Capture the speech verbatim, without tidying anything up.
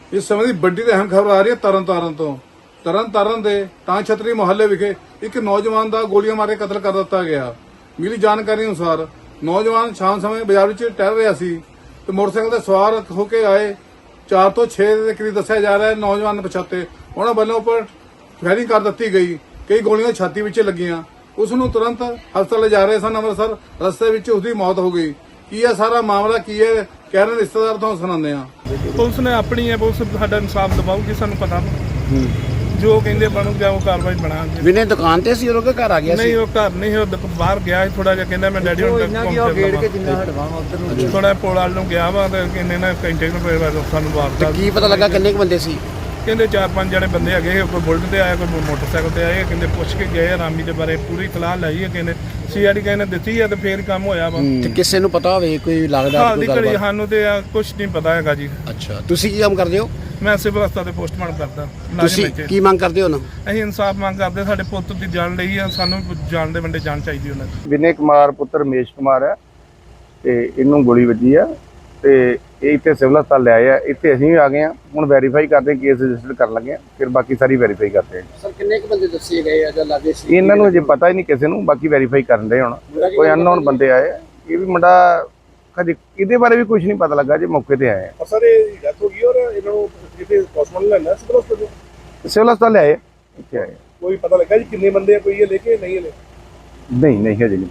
ਇਸ ਸਮੇਂ ਦੀ ਵੱਡੀ ਤੇ ਅਹਿਮ ਖਬਰ ਆ ਰਹੀ ਹੈ ਤਰਨ ਤਾਰਨ ਤੋਂ। ਤਰਨ ਤਾਰਨ ਦੇ ਤਾਂ ਛਤਰੀ ਮੁਹੱਲੇ ਵਿਖੇ ਇੱਕ ਨੌਜਵਾਨ ਦਾ ਗੋਲੀਆਂ ਮਾਰ ਕੇ ਕਤਲ ਕਰ ਦਿੱਤਾ ਗਿਆ। ਮਿਲੀ ਜਾਣਕਾਰੀ ਅਨੁਸਾਰ ਨੌਜਵਾਨ ਸ਼ਾਮ ਸਮੇਂ ਬਾਜ਼ਾਰ ਵਿੱਚ ਟਹਿਲ ਰਿਹਾ ਸੀ ਤੇ ਮੋਟਰਸਾਈਕਲ ਤੇ ਸਵਾਰ ਹੋ ਕੇ ਆਏ ਚਾਰ ਤੋਂ ਛੇ ਦੇ ਕਰੀਬ ਦੱਸਿਆ ਜਾ ਰਿਹਾ ਹੈ ਨੌਜਵਾਨ ਪਛਾਤੇ ਉਹਨਾਂ ਵੱਲੋਂ ਉੱਪਰ ਫਾਇਰਿੰਗ ਕਰ ਦਿੱਤੀ ਗਈ। ਕਈ ਗੋਲੀਆਂ ਛਾਤੀ ਵਿੱਚ ਲੱਗੀਆਂ। ਉਸ ਨੂੰ ਤੁਰੰਤ ਹਸਪਤਾਲ ਲੈ ਜਾ ਰਹੇ ਸਨ ਅੰਮ੍ਰਿਤਸਰ। ਰਸਤੇ ਵਿੱਚ ਉਸਦੀ ਮੌਤ ਹੋ ਗਈ। ਕੀ ਇਹ ਸਾਰਾ ਮਾਮਲਾ ਕੀ ਹੈ ਕਹਿ ਰਹੇ ਰਿਸ਼ਤੇਦਾਰ ਤੋਂ ਸੁਣਾਉਂਦੇ ਆ। ਪੁਲਿਸ ਨੇ ਆਪਣੀ ਹੈ, ਪੁਲਿਸ ਸਾਡਾ ਇਨਸਾਫ ਦਿਵਾਉਗੀ, ਸਾਨੂੰ ਪਤਾ ਜੋ ਕਹਿੰਦੇ ਬਣੂਗਾ ਉਹ ਕਾਰਵਾਈ ਬਣਾਉਂਗੇ। ਵਿਨੇ ਦੁਕਾਨ ਤੇ ਸੀ ਉਹ ਘਰ ਆ ਗਿਆ ਸੀ? ਨਹੀਂ, ਉਹ ਘਰ ਨਹੀਂ, ਉਹ ਦੁਕ- ਬਾਹਰ ਗਿਆ ਥੋੜਾ ਜਿਹਾ, ਕਹਿੰਦਾ ਮੈਂ ਡੈਡੀ ਹੁਣ ਤੱਕ ਥੋੜਾ ਪੁਲ ਵਾਲ ਨੂੰ ਗਿਆ ਵਾ ਤੇ ਕਹਿੰਦੇ ਨਾ ਘੰਟੇ ਨੂੰ ਫਿਰ ਸਾਨੂੰ ਤੇ ਵਾਰਤਾ। ਕੀ ਪਤਾ ਲੱਗਾ ਕਿੰਨੇ ਕੁ ਬੰਦੇ ਸੀ? ਕਹਿੰਦੇ ਚਾਰ ਪੰਜ ਜਣੇ ਬੰਦੇ ਹੈਗੇ, ਕੋਈ ਬੁਲਟ ਤੇ ਆਇਆ, ਕੋਈ ਮੋਟਰਸਾਈਕਲ ਤੇ ਆਏ। ਕਹਿੰਦੇ ਪੁੱਛ ਕੇ ਗਏ ਆ ਰਾਮੀ ਦੇ ਬਾਰੇ, ਪੂਰੀ ਤਲਾਹ ਲਈ ਹੈ। ਕਹਿੰਦੇ ਸੀਆਈਡੀ ਕਹਿੰਦੇ ਦਿੱਤੀ ਹੈ ਤੇ ਫੇਰ ਕੰਮ ਹੋਇਆ ਵਾ। ਤੇ ਕਿਸੇ ਨੂੰ ਪਤਾ ਹੋਵੇ ਕੋਈ ਲੱਗਦਾ ਹਾਲ ਦੀ ਕੋਈ ਘੜੀ ਗੱਲਬਾਤ? ਸਾਨੂੰ ਤੇ ਕੁਝ ਨਹੀਂ ਪਤਾ ਹੈਗਾ ਜੀ। ਅੱਛਾ, ਤੁਸੀਂ ਕੀ ਕੰਮ ਕਰਦੇ ਹੋ? ਮੈਂ ਸਿਵਲ ਹਸਪਤਾਲ ਤੇ ਪੋਸਟਮਾਰਟਮ ਕਰਦਾ। ਤੁਸੀਂ ਕੀ ਮੰਗ ਕਰਦੇ ਹੋ ਨਾ? ਅਸੀਂ ਇਨਸਾਫ ਮੰਗ ਕਰਦੇ, ਸਾਡੇ ਪੁੱਤ ਦੀ ਜਾਨ ਲਈ ਆ, ਸਾਨੂੰ ਜਾਨ ਦੇ ਵੰਡੇ ਜਾਨ ਚਾਹੀਦੀ ਉਹਨਾਂ ਦੀ। ਵਿਨੇ ਕੁਮਾਰ ਪੁੱਤਰ ਰਮੇਸ਼ ਕੁਮਾਰ ਹੈ ਤੇ ਇਹਨੂੰ ਗੋਲੀ ਵੱਜੀ ਆ ਤੇ ਇਹ ਇੱਥੇ ਸਿਵਲ ਹਸਪਤਾਲ ਲੈ ਆਏ ਆ। ਇੱਥੇ ਅਸੀਂ ਵੀ ਆ ਗਏ ਆ, ਹੁਣ ਵੈਰੀਫਾਈ ਕਰਦੇ ਹਾਂ, ਕੇਸ ਰਜਿਸਟਰ ਕਰਨ ਲੱਗੇ ਆ, ਫਿਰ ਬਾਕੀ ਸਾਰੀ ਵੈਰੀਫਾਈ ਕਰਦੇ ਆ। ਸਰ ਕਿੰਨੇ ਕੁ ਬੰਦੇ ਦੱਸੇ ਗਏ ਆ ਜਾਂ ਲੱਗੇ ਸੀ? ਇਹਨਾਂ ਨੂੰ ਅਜੇ ਪਤਾ ਹੀ ਨਹੀਂ ਕਿਸੇ ਨੂੰ, ਬਾਕੀ ਵੈਰੀਫਾਈ ਕਰਨ ਦੇ। ਹੁਣ ਕੋਈ ਅਨਨੋਨ ਬੰਦੇ ਆਏ ਆ। ਇਹ ਵੀ ਮੁੰਡਾ ਕਦੇ ਇਹਦੇ ਬਾਰੇ ਵੀ ਕੁਝ ਨਹੀਂ ਪਤਾ ਲੱਗਾ ਜੇ ਮੌਕੇ ਤੇ ਆਏ ਆ। ਸਰ ਇਹ ਡੈਥ ਹੋ ਗਈ ਔਰ ਇਹਨਾਂ ਨੂੰ ਕਿਤੇ ਹਸਪਤਾਲ ਲੈਣਾ ਸਿਵਲ ਹਸਪਤਾਲ ਸਿਵਲ ਹਸਪਤਾਲ ਲੈ ਆਏ, ਇੱਥੇ ਆਏ। ਕੋਈ ਪਤਾ ਲੱਗਾ ਜੀ ਕਿੰਨੇ ਬੰਦੇ ਆ, ਕੋਈ ਇਹ ਲੈ ਕੇ ਨਹੀਂ ਹਲੇ? ਨਹੀਂ ਨਹੀਂ ਹਜੇ ਨਹੀਂ